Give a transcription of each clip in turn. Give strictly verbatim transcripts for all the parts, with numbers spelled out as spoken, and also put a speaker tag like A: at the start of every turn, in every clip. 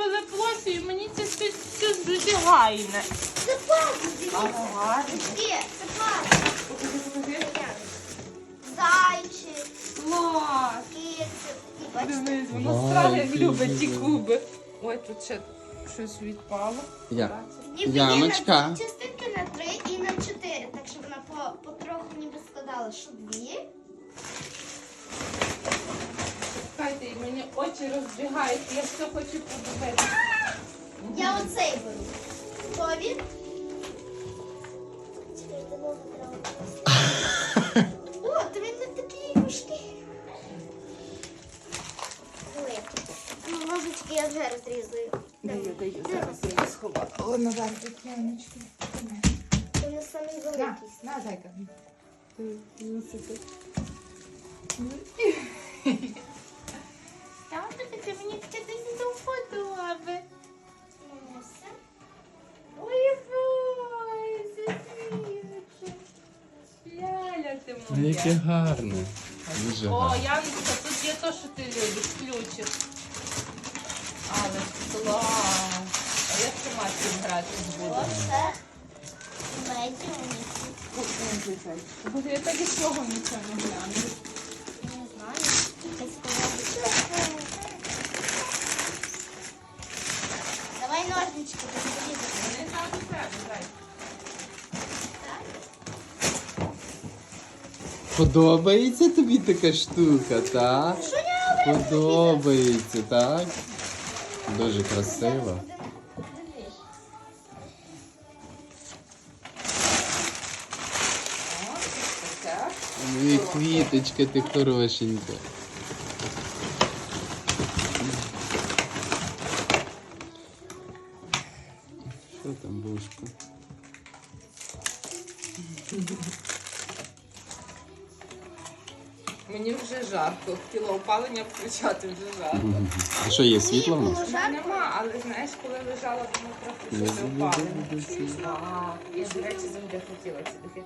A: телеплощу, і мені це щось щось дуже гайне.
B: Це пазл, дивіться.
A: Ага.
B: Є, це пазл.
A: Покажи, покажи.
B: Зайчик,
A: Клас.
B: кицик. І бачите?
A: Дивись, воно
C: Вау,
A: страшно
C: який
A: любить ті
C: дуже.
A: куби. Ой, тут ще щось відпало.
C: Я.
B: Ніби
C: Яночка.
B: є на дві частинки на три і на чотири. Так що вона по, потроху ніби складала, що дві.
A: Чекайте, і мені очі розбігаються, я все хочу подивитися.
B: Я оцей беру. Готові? Чекайте, ногу треба просто. О, то він не такий важкий. Ой, ну, ножички я вже розрізаю.
A: Даю, даю, зараз я її сховала. О, наверх, Яночки.
B: Вони самі
A: На,
B: великі.
A: на, зайка. Ти, ну, сиди. Там таке, мені таке десь до вподоби. Ой, ой, Софійочка. Ляля ти моя.
C: Яке гарне. Дуже
A: О,
C: гарне.
A: Яночка, тут є те, що ти любиш, ключик. Але клас. А я сама з цим грати буду.
B: Оце медіумі.
A: Бо я так і цього нічого не гляну.
B: Не знаю. Якась коробочка. Давай ножнички порізати.
A: Не знаю, не треба, дай.
B: Так?
C: Подобається тобі така штука, так?
B: Що я роблю?
C: Подобається, так? Дуже красиво.
A: О, ось таке.
C: Ну і квіточка ти хорошенька. Що там, бушка?
A: Мені вже жарко. Хотіла опалення включати, вже жарко.
C: А що, є світло в нас?
B: Було жарко.
A: Нема, але знаєш, коли лежала, воно трохи щось опалення. Вау, я, до речі, завжди хотіла ці духи.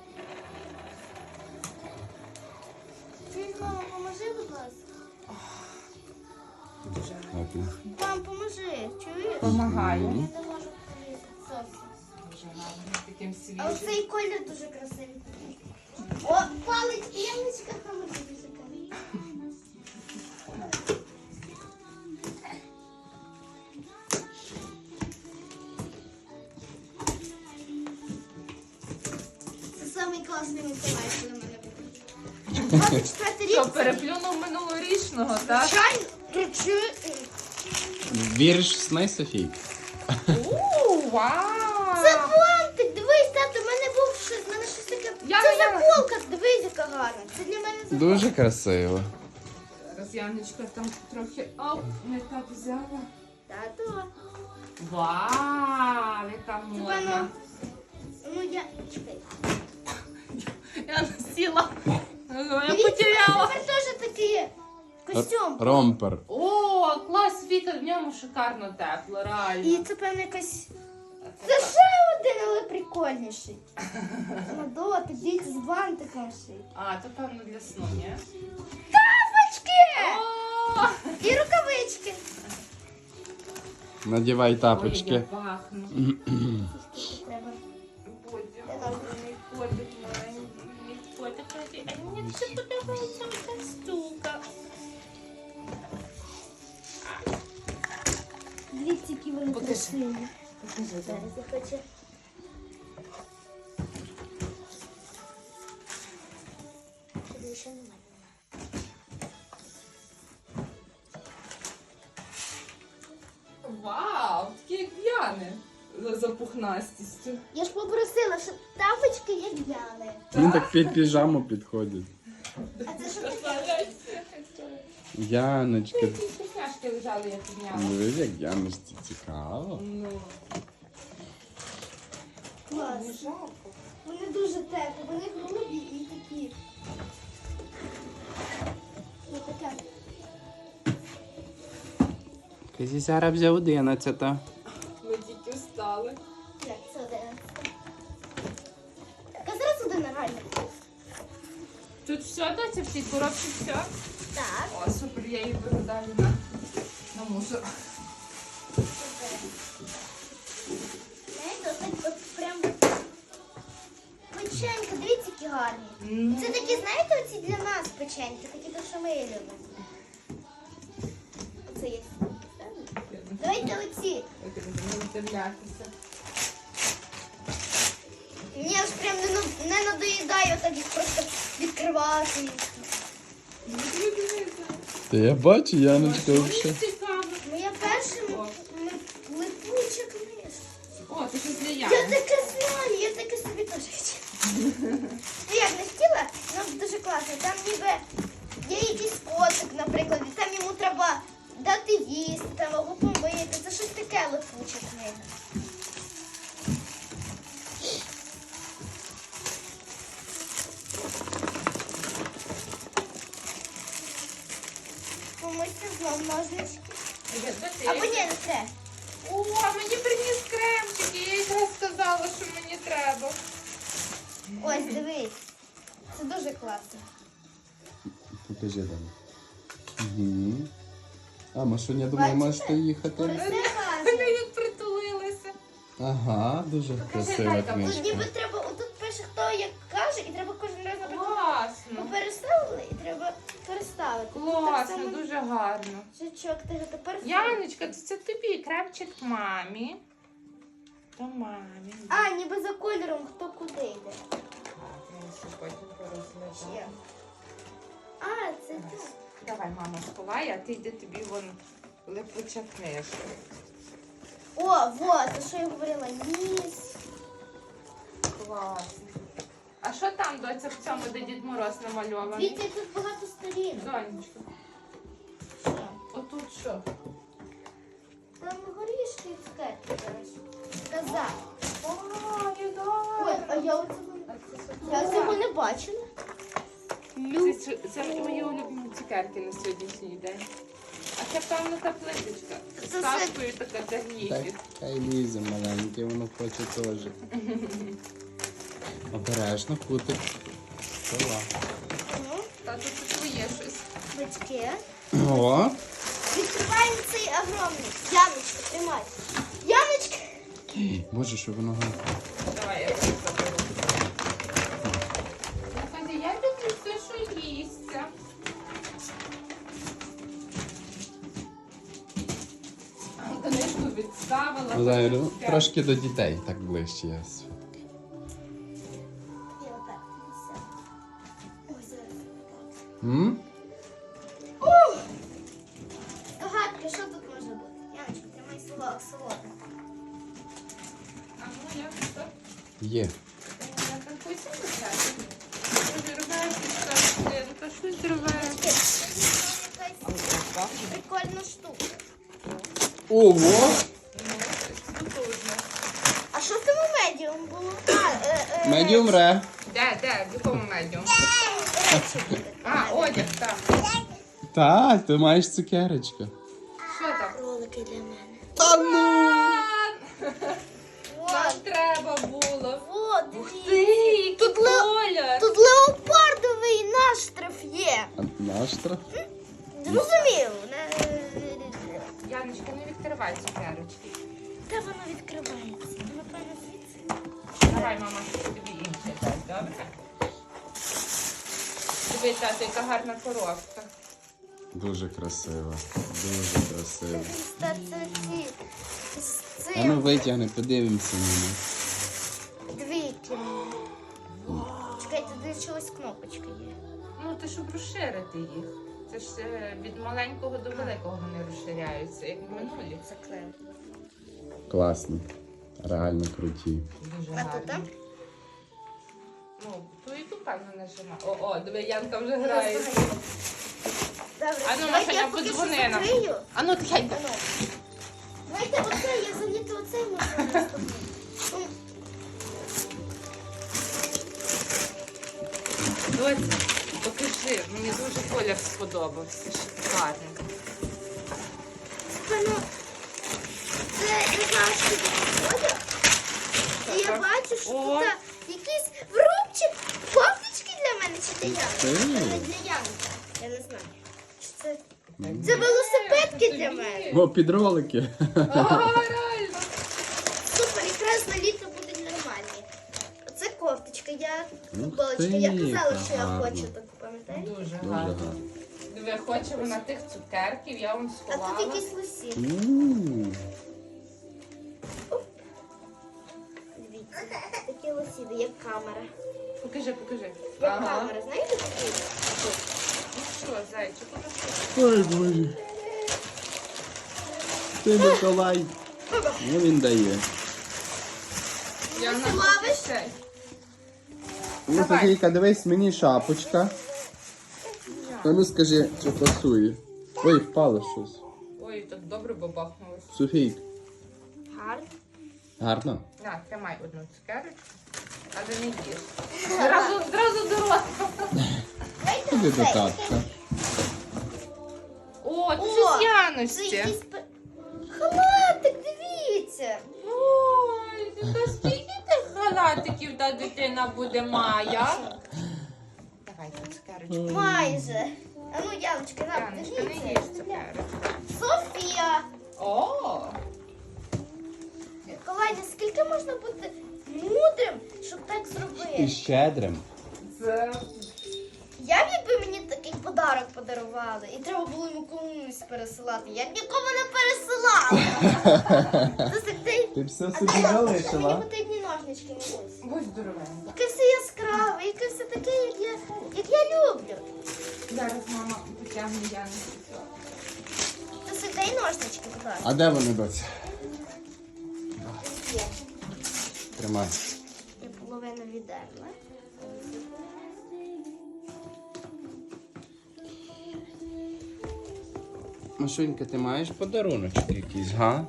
B: Ти, мама, поможи, будь ласка.
A: Дуже
C: Ладно.
B: Мам, поможи. Чуєш?
A: Помагаю.
B: Я не можу порізати зовсім.
A: Дуже гарно, таким
B: А
A: свіжим.
B: оцей колір дуже красивий. О, палець, Яночка, поможи дуже красивий. Це самий класний Миколай, коли мене буде. двадцять четвертий рік.
A: Що, переплюнув минулорічного, так?
B: Чай, речі.
C: Віриш в сни, Софій?
A: Ууу, вау!
B: Це бантик, дивись, тато, в мене був щось, в мене щось таке.
A: Яна,
B: Це
A: Яна.
B: заколка, дивись, яка гарна. Це для мене заколка.
C: Дуже красиво.
A: Зараз Яночка там трохи, оп, не так взяла.
B: Тато.
A: Вау, яка
B: Це
A: модна.
B: певно. Ну я. Чекай.
A: Я сіла. Я
B: Дивіться,
A: потеряла.
B: Тепер теж такий костюм.
C: Ромпер.
A: О, клас, Віка, в ньому шикарно тепло, реально.
B: І це певно якась.
A: Це
B: Це
A: так.
B: ще один, але прикольніший. На дотик, дійти з бантиком ще. й.
A: А, то певно для сну, ні?
B: Тапочки!
A: О!
B: І рукавички.
C: Надівай
A: Ой, я
C: тапочки.
A: пахну.
B: Скільки треба?
A: Боже, мій котик маленький, мій котик маленький. А мені все подобається оця штука.
B: Дивіться, які вони
A: Покажи.
B: красиві.
A: Покажи,
B: Зараз я хочу. Щоб ще немає.
A: Вау, такі як в'яни. За запухнастістю.
B: Я ж попросила, щоб тапочки як взяли.
C: Він так під піжаму підходить.
B: А це що таке?
C: Яночка,
A: Ці вкусняшки лежали, я підняла.
C: дивись, як Яночці цікаво.
A: Ну, не
B: Клас.
A: жалко.
B: Вони дуже теплі, вони грубі і такі. Ну таке.
C: Казі зараз вже одинадцята.
A: Ми тільки встали.
B: Як це один? А зараз один реально.
A: Тут все, доця, в цій коробці все?
B: Так.
A: О, супер, я її беру далі на, на мусор.
B: Супер.
A: Ну,
B: Це такі, знаєте, оці для нас печеньки, такі, то, що ми любимо. Оце є. Давайте оці. Мені аж прям не, на- не надоїдає отак їх просто відкривати.
C: Та я бачу, Яночка,
A: Мені
C: взагалі.
A: цікаво.
B: Моя перша м- м- липуча книжка.
A: О, це щось для
B: Я
A: Яни.
B: таке знаю, я таке собі теж хотіла. Ну як не хотіла, ну дуже класно. Там ніби є якийсь котик, наприклад, і там йому треба дати їсти, там або помити. Це щось таке липуча книга. Комусь знов ножнички. Або ні, не це.
A: О, мені приніс кремчики, я якраз сказала, що мені треба.
B: Ось, дивись. Це дуже класно.
C: Покажи там. Угу. А, Машуня, я думаю,
B: Бачите?
C: можете їхати.
B: Це
A: Вони
B: гарно.
A: як притулилися.
C: Ага, дуже красива
A: Гайка,
B: Тут ніби
C: книжка.
B: треба, отут пише, хто як каже, і треба кожен раз, наприклад, ми
A: Класно.
B: переставили і треба переставити. Так
A: Класно,
B: само
A: дуже гарно.
B: Жучок, ти ж тепер.
A: Яночка, це, це тобі кремчик мамі. То мамі.
B: А, ніби за кольором, хто куди йде.
A: Так, я ще потім порозглядаю.
B: Ще. А, це так.
A: Давай, мама, сховай, а ти йди тобі вон липуча книжка.
B: О, вот, то що я говорила, ніс.
A: Класно. А що там, доця, в цьому, де Дід Мороз намальований?
B: Дивіться, тут багато сторінок.
A: Донечка,
B: Що?
A: отут що?
B: Там горішки і цукерки, коротше. Каза.
A: О,
B: Ой,
A: Єдора.
B: а я оцього,
A: А це
B: я
A: що?
B: цього не бачила. Лю.
A: Це, це мої улюблені цукерки на сьогоднішній день. А це, певно, та плиточка. З
B: Це
A: кашкою така
C: Так,
A: тягніть.
C: хай лізе маленьке, воно хоче теж. Обережно, кутик. Стола.
B: Ну,
A: Та тут це твоє щось.
B: батьки.
C: О,
B: Відкриваємо цей огромний. Яночка, тримай. Яночка.
C: боже, що воно гарне.
A: Давай, я це заберу. Слухайте, я люблю все, що їсться. А, книжку відставила.
C: Валерію,
A: потім
C: трошки до дітей так ближче. я с-
B: І отак. Все. Ой, зараз.
C: М?
B: Догадки, що тут може бути? Яночка, тримай слово, слово.
A: А ну як це?
C: Є.
A: Я так хочу писати. Розірваю картинка, щось зриває.
B: Якась прикольна штука.
C: Ого!
B: А що в тому медіум було? А, е, е,
C: Медіум ре.
A: Де, де, в якому медіум?
B: речі були.
A: А, одяг, так.
C: Так, ти маєш цукерочку.
A: Що там?
B: Ролики для мене.
C: Та ну!
A: Нам
B: Вот,
A: треба було.
B: вот,
A: Ух
B: дивіться.
A: ти, який
B: Тут ле-
A: колір.
B: Тут леопардовий наштриф є.
C: А наш штраф?
B: Зрозумів. Не-
A: Яночка, не відкривай цукерочки.
B: Де воно відкривається? Напевно, звідси.
A: Давай, мама, тобі інше дай, добре? Дивись, тато, яка гарна коробка.
C: Дуже красиво. Дуже красиво.
B: Та це ці. З
C: А ну
B: цим.
C: витягни, подивимося на них.
B: Дві кімни. Чекайте, де чогось кнопочка є.
A: Ну, ти щоб розширити їх. Це ж е, від маленького до великого вони розширяються, як в минулі.
B: Заклею.
C: Класно. Реально круті.
A: Дуже
B: А тут там?
A: гарно. Ну, ту і ту певно нажимай. О, о, диви, Янка вже грає.
B: Добре,
A: А ну,
B: давайте
A: Машеня,
B: я поки що
A: подзвони нам.
B: закрию.
A: А ну, тихенько.
B: А ну. Давайте оце, я заліто оце можу наступний. Ну,
A: Доця, покажи, мені дуже колір сподобався. Шикарний.
B: Пану, це я знаю, що це одяг. І я бачу, що
A: О.
B: тут якийсь врубчик, кофточки для мене чи для
C: Ти?
B: Янки. Це не для Янки. Я не знаю. Чи це... Це велосипедки для мене.
C: О, підролики.
A: Ага, реально.
B: Супер, якраз на літо будуть нормальні. Це кофточка. моя
C: Ух
B: футболочка.
C: ти,
B: Я казала, що я
C: гарно.
B: хочу таку, пам'ятаєш?
A: Дуже
C: Дуже
A: гарно.
C: гарно.
A: Диви, хоче вона тих цукерків, я вам
B: А
A: сховала.
B: тут якісь лосі.
C: М.
B: Дивіться, такі лосі, як камера.
A: Покажи, покажи.
B: Як
A: Ага.
B: камера, знаєте такі?
A: Ну що, зайчик, уже
C: Ой, Боже. Ти Миколай. Ну він дає.
A: Я
B: Ти
A: на
B: ловиш?
A: цей.
C: Ну,
A: Давай.
C: Софійка, дивись, мені шапочка. А ну скажи, чи пасує. Ой, впало щось.
A: Ой, так добре бабахнулося.
C: Софійка,
B: Гарно.
C: гарно?
A: На, тримай одну цукерочку, але не їж. Зразу, зразу до рота.
B: Дайте
C: Іди до
B: оцей.
C: татка.
A: О, це
B: О,
A: ж
B: Це
A: Яночці.
B: якийсь пе- халатик, дивіться.
A: Ой, та скільки тих халатиків та дитина буде Майя? Давай тут цукерочку.
B: Майже. А ну, Яночка, на,
A: Яночка, не їж
B: дивіться.
A: цукерочку.
B: Софія.
A: О,
B: Миколаївна, скільки можна бути мудрим, щоб так зробити?
C: щедрим.
A: це...
B: Я б, якби мені такий подарок подарували, і треба було йому комусь пересилати. Я б нікому не пересилала. Це такий...
C: Ти все
B: А
C: собі
B: де- Мені
C: залишила.
B: потрібні ножнички, Нікусь.
A: Будь здоровенька.
B: Яке все яскраве, яке все таке, як я, як я люблю.
A: Зараз мама потягне Яночку.
B: Це все дай ножнички, будь ласка.
C: А де вони, доця?
B: Є.
C: Тримай.
B: Я половину віддерла.
C: Машунька, ти маєш подаруночок якийсь, га?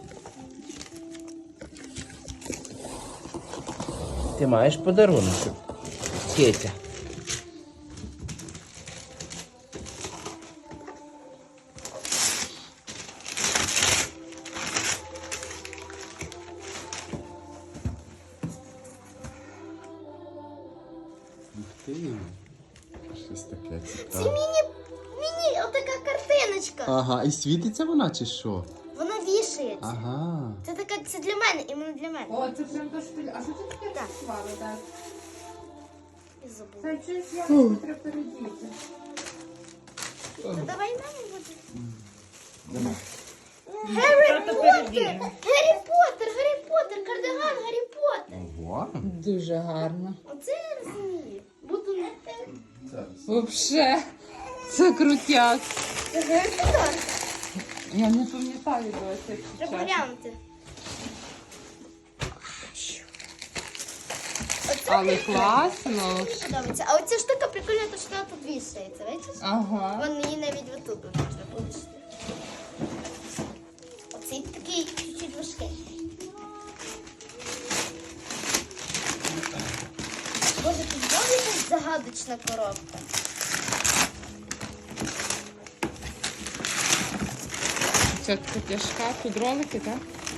C: Ти маєш подаруночок? Кетя. Ух ти. Щось таке
B: Це
C: цікаве.
B: міні, міні, отака картиночка.
C: Ага, і світиться вона чи що?
B: Вона вішається.
C: Ага.
B: Це така, це для мене, іменно для мене.
A: О, це прям то, що ти... А що ти таке
B: Так.
A: працювала, так?
B: І забула.
A: Це щось Яночку треба передіти.
B: Ну, давай мамі буде.
C: Давай.
B: Гаррі
A: Тато
B: Поттер!
A: передіє.
B: Гаррі Поттер, Гаррі Поттер, кардиган Гаррі Поттер.
C: Ого.
A: Дуже гарно.
B: Оце я розумію. Буду не те.
A: Вообще, це крутяк.
B: Це Гаррі Поттер.
A: Я не пам'ятаю досі.
B: Треба глянути. Оце
A: Але
B: мені
A: класно.
B: подобається. А оця штука прикольна, то що вона тут вішається, бачиш?
A: Ага.
B: Вон її навіть отут от треба повісити. Оцей такий чуть-чуть важкий. Боже, тут знову якась загадочна коробка.
A: Це така тяжка, тут ролики, так?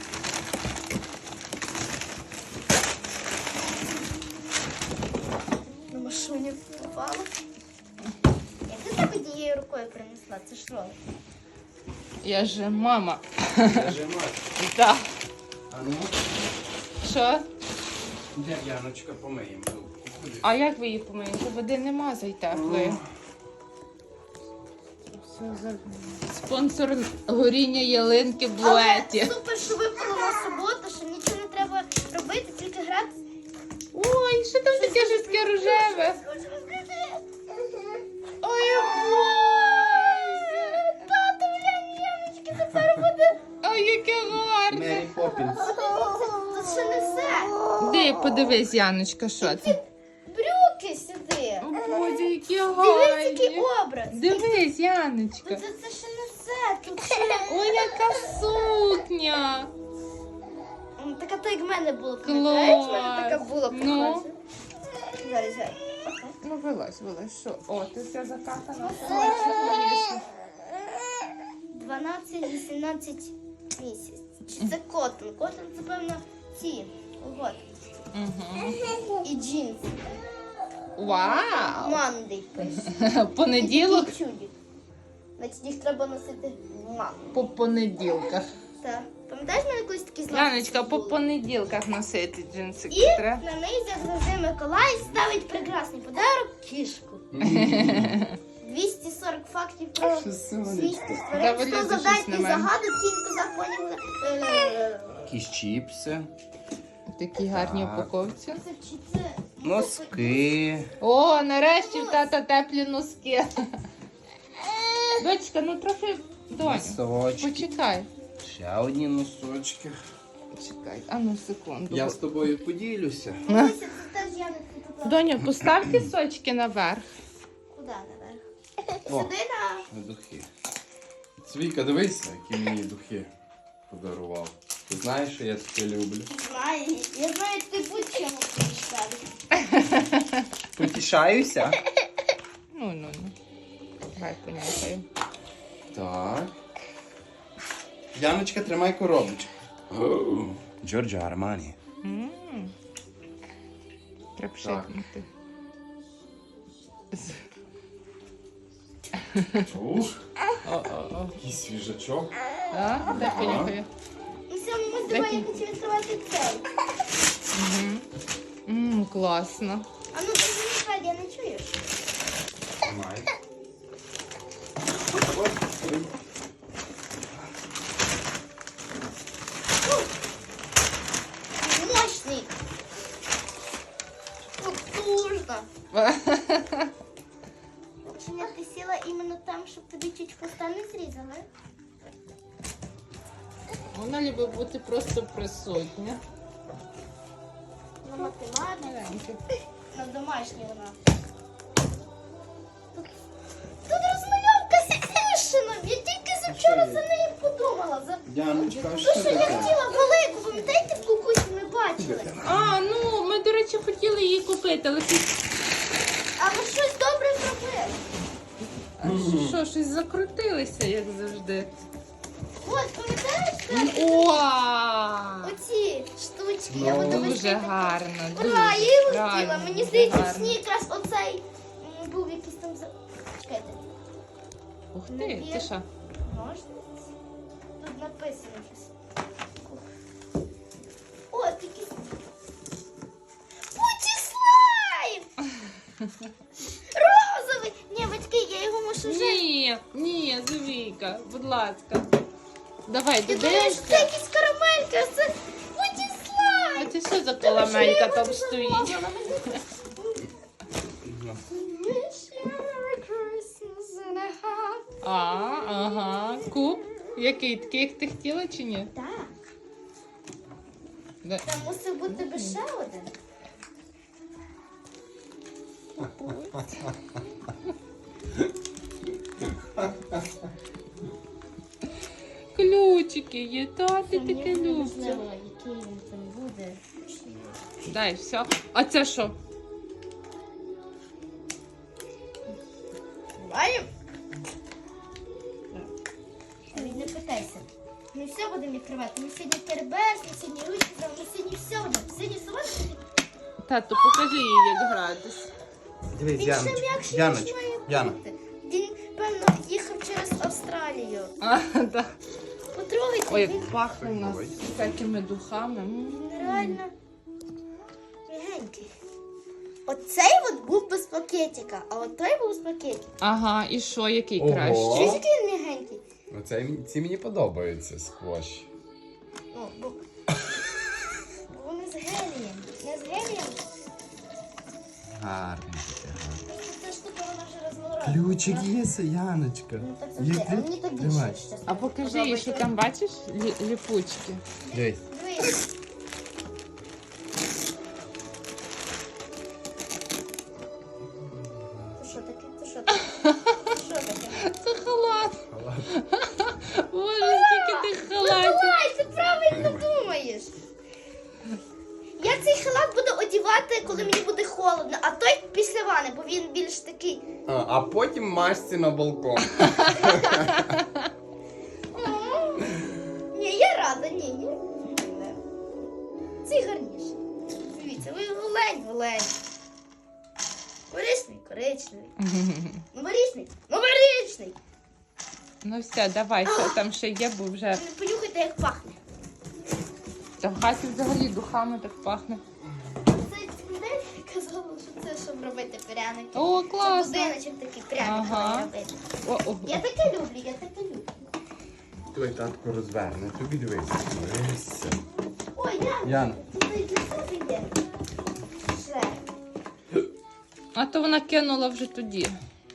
B: На машині впала. Як ти так однією рукою принесла? Це ж ролик.
A: Я же мама.
C: Нажимай.
A: Так.
C: А ну,
A: Що?
C: де Яночка помиємо руку? Ходи.
A: А як ви її помиєте? Води нема зайтеплої. Все за... Спонсор горіння ялинки в буеті.
B: Але супер, що випало на суботу, що нічого не треба робити, тільки грати.
A: Ой, що там таке жорстке рожеве? Ой, Боже!
B: Тато, глянь, Яночки, тепер буде.
A: Ой, яке гарне!
C: Мері Поппінс.
B: Тут ще не все.
A: Де, подивись, Яночка, що це?
B: Брюки сюди.
A: О, Боже, які
B: Дивись, який
A: гарні!
B: образ.
A: Дивись, Яночка!
B: Це, це ще не все. Тут ще.
A: Ой, яка сукня!
B: М, Така то як в мене було. Пам'ятаєш, в мене така була
A: Ну.
B: похожа. Зараз, зараз.
A: Ну, вилазь, вилазь, що? О, ти вся закатана.
B: дванадцять вісімнадцять місяць. Чи це котон? Котон це, певно, ці. Ого.
A: Угу.
B: І джинси.
A: Вау!
B: Мандий пише.
A: Понеділок
B: Такий чудик. Значить, їх треба носити в ман.
A: по понеділках.
B: Так. Пам'ятаєш, в мене колись такі злаки?
A: Яночка, по понеділках носити джинсики
B: І
A: треба.
B: на неї, як завжди, Миколай ставить прекрасний подарок кішку. двісті сорок фактів про
C: Що
B: світ
C: сонечко.
B: тварин.
A: Давай,
B: Хто
A: Ліза,
B: завдає
A: щось
B: ті
A: на мене.
B: загадок, тільки законів. Е,
C: Якісь чіпси,
A: Такі гарні
C: Так.
A: упаковці.
B: Це чи це?
C: носки.
A: О, нарешті в тата теплі носки. Дочка, ну трохи, доню,
C: Носочки.
A: почекай.
C: Ще одні носочки.
A: Почекай, а ну секунду.
C: Я з тобою поділюся.
B: Дивися, це теж я не купила.
A: Доню, постав кісочки наверх.
B: Куди наверх?
C: О.
B: Сюди на...
C: Духи. Цвіка, дивися, які мені духи подарував. Ти знаєш, що я таке люблю.
B: Знаю, я знаю, ти будь-чим помічтати.
C: Потішаюся.
A: Ну, ну, ну. Давай понюхаю.
C: Так. Яночка, тримай коробочку. Джорджо Армані.
A: М. Треба пшикнути.
C: Ух,
A: О-о-о.
C: який свіжачок.
A: Так, дай понюхаю.
B: Ну все, ми давай я хочу відкривати цей.
A: Ммм, класно.
B: А ну ти не я не чуєш?
C: Тримай.
B: Мощний. Потужно. Женя, ти сіла іменно там, щоб тобі чуть хвоста не зрізали?
A: Вона любить бути просто присутня.
B: На математиці.
A: Маленька.
B: На домашній вона. Тут, тут розмальовка з Кішином. Я тільки завчора за нею подумала. За...
C: Яночка, а
B: Ну,
C: що
B: що я
C: таке?
B: хотіла велику, пам'ятаєте, в кукусі ми бачили?
A: А, ну, ми, до речі, хотіли її купити, але щось,
B: А ви щось добре зробили.
A: а що, щось закрутилися, як завжди.
B: От, пам'ятаєш, це
A: О!
B: оці штучки. Я
C: Ну,
B: буду
A: Дуже
B: вести таке.
A: гарно. Дуже
B: Ура, я його хотіла.
A: правильно,
B: Мені
A: дуже
B: здається, в
A: гарно.
B: сні якраз оцей м, був якийсь там за. Чекайте.
A: Ух ти, ти що?
B: Ножниці. Тут написано щось. О, якийсь. Путі слайм! Розовий! Ні, батьки, я його мушу вже.
A: Ні, ні, Зовійка, будь ласка. Давай,
B: Я думаю, що це
A: додивишся.
B: якісь карамельки, а це путі слайм!
A: А ти що за коломелька там стоїть? А, ага. Куб? Який? Такий, як ти хотіла чи ні?
B: Так,
A: Да.
B: там мусив бути би ще один.
A: Ключики є, та ти таке
B: Мені не
A: любиш.
B: важливо, який він там буде.
A: Дай, все. А це що?
B: Маємо? Не питайся. Ми все будемо відкривати. Ми сьогодні тербес, ми сьогодні ручки, ми сьогодні все будемо. Сьогодні солодко.
A: Тату, покажи їй, як гратись.
C: Дивись,
B: Він ще
C: Яночка.
B: м'якший, ніж
C: Яночка,
B: має
C: Яна.
B: бути. Він, певно, їхав через Австралію.
A: А, так.
B: Потрогайте,
A: Ой,
B: він,
A: як пахне у нас всякими духами. М.
B: він реально м'ягенький. Оцей от був без пакетика, а от той був з пакетика.
A: Ага, і що, який
C: Ого.
A: кращий?
B: Чуєш, який він м'ягенький?
C: Оце, мені- ці мені подобаються сквош.
B: О, бо... бо вони з гелієм. Не з гелієм.
C: Гарний таке, гарний.
B: Ця штука вона вже розморозила.
C: Ключик є, Яночка.
B: Ну так
C: Є
B: завжди, а
C: ключ?
B: мені то більше
C: Тримай.
B: щось.
A: А покажи їй, що там бачиш? Лі- ліпучки.
C: Дивись.
B: Дивись. Це що таке? Це що таке? Це що таке?
A: Це халат. Боже, скільки ти халатів.
B: Миколай, ти правильно думаєш. Я цей халат буду одягати, коли мені буде холодно, а той після вани, бо він більш такий.
C: А, а потім машці на балкон.
B: «М, Ні, я рада, ні, ні. Цей гарніший. Дивіться, ви голень, голень. Коричневий, коричневий. Новорічний, новорічний.
A: Ну все, давай, що там ще є, бо вже.
B: Понюхайте, як пахне.
A: Та в хаті взагалі духами так пахне.
B: Це людей казала, що це щоб робити пряники.
A: О,
B: Це
A: класно.
B: будиночок такий пряник
A: Ага.
B: робити.
A: О, о,
B: Я таке люблю, я таке люблю.
C: Той татко розверне, тобі дивись. Дивися.
B: Ой, Ян,
C: Ян.
B: тут і для себе є. Ще.
A: А то вона кинула вже тоді.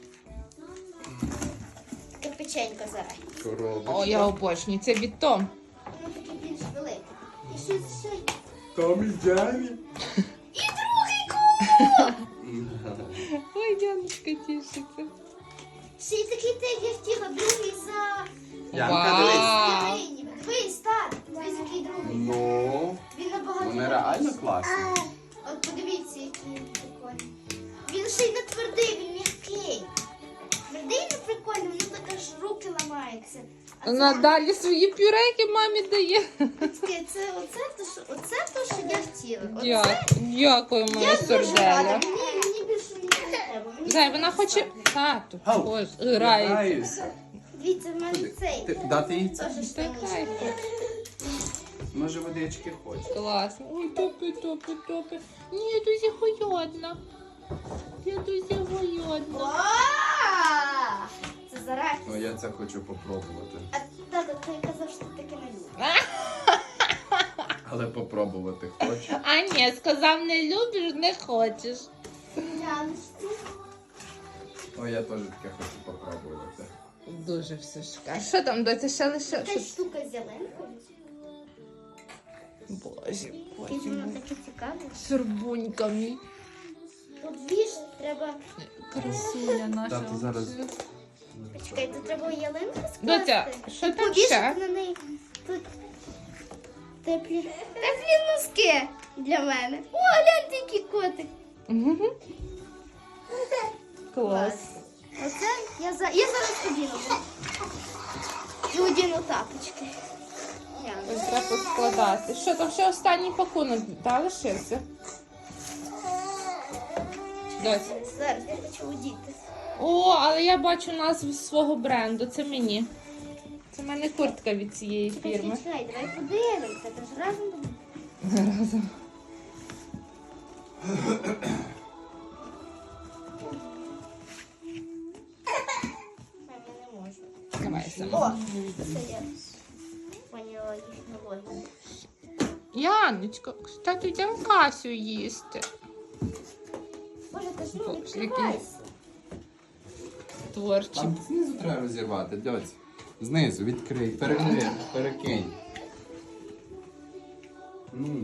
B: Таке печенько зараз.
C: Коробочка.
A: О, я обожнюю. Це від Том.
B: Воно таке більш велике. І щось ще.
C: Том і Джері.
B: І другий куб!
A: Ой, Яночка тішиться.
B: Ще й такий те, як я хотіла, другий за...
C: Янка,
A: Вау.
C: дивись.
B: Євгеній. Дивись, так. Дивись, який другий.
C: Ну,
B: Він набагато...
C: вони реально класні.
B: От подивіться, який він прикольний. Він ще й не твердий, він м'який. Твердий не прикольний, воно так аж руки ламаються. А це,
A: Надалі свої пюреки мамі дає.
B: батьки, це оце то, що, оце то, що я хотіла. Оце
A: Дякую, дякую, моя
B: я дуже рада.
A: сорделя.
B: Мені, мені більше нічого не треба. Мені
A: Зай,
B: це
A: вона
B: достатньо.
A: хоче тату.
C: Ау.
A: Ось, грається.
C: Грається.
B: Дивіться, в мене цей.
C: Ти- Дати їй це?
B: Теж
A: Та
B: штанішки.
A: хай.
C: Може водички хоче.
A: Класно. Ой, топи, топи, топи. Ні, я дуже голодна. Я дуже голодна.
B: О! Це зараз.
C: Ну я це хочу попробувати.
B: А тато, ти казав, що ти таке не любиш.
C: Але попробувати хочу.
A: А ні, сказав, не любиш, не хочеш.
B: Яночки.
C: О, я теж таке хочу попробувати.
A: Дуже все шикарно. Що там, доця, ще лише?
B: Така
A: Що?
B: штука з зеленкою.
A: Боже,
B: І
A: боже.
B: воно таке цікаве.
A: Сурбунька мій.
B: От віж, треба...
A: Красуня наша.
C: Тато зараз.
B: Почекай, тут треба ялинку скласти.
A: Доця, що
B: І
A: там
B: повішати
A: ще?
B: на неї. Тут теплі, теплі носки для мене. О, гляньте, який котик.
A: Мгм. Клас.
B: Оце я, за... я зараз одіну. І одіну тапочки. Яна.
A: Ось треба складати. Що там ще останній пакунок, та лишився? Доця.
B: Зараз я хочу одіти.
A: О, але я бачу назву свого бренду. Це мені. Це в мене куртка від цієї
B: Чекай,
A: фірми.
B: чекай, давай подивимося. Це ж разом будемо.
A: Разом.
B: Мамі не можу.
A: Давай
B: О,
A: сама.
B: це я поняла їхню логіку.
A: Яночка, кстати, йдемо касю їсти.
B: Боже, ти ж ну
A: Боже,
B: відкривайся.
A: Творчі.
C: Там знизу треба розірвати, дьоць. Знизу, відкрий, перекинь, перекинь. Ну.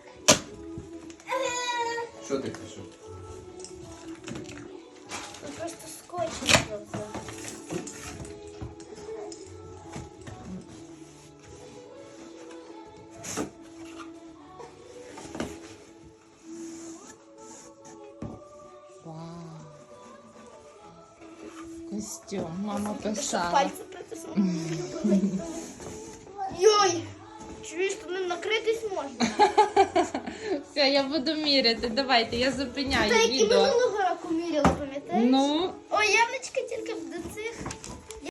C: Що ти кажеш?
B: Тут просто скотч не зробив.
A: Вау. Костюм, мама
B: Ти що,
A: писала.
B: пальці притиснули? Йой! Чуєш, тут ним накритись можна.
A: Все, я буду міряти. Давайте, я зупиняю
B: Та які
A: відео.
B: минулого року міряли, пам'ятаєш?
A: Ну,
B: О, Яночка тільки до цих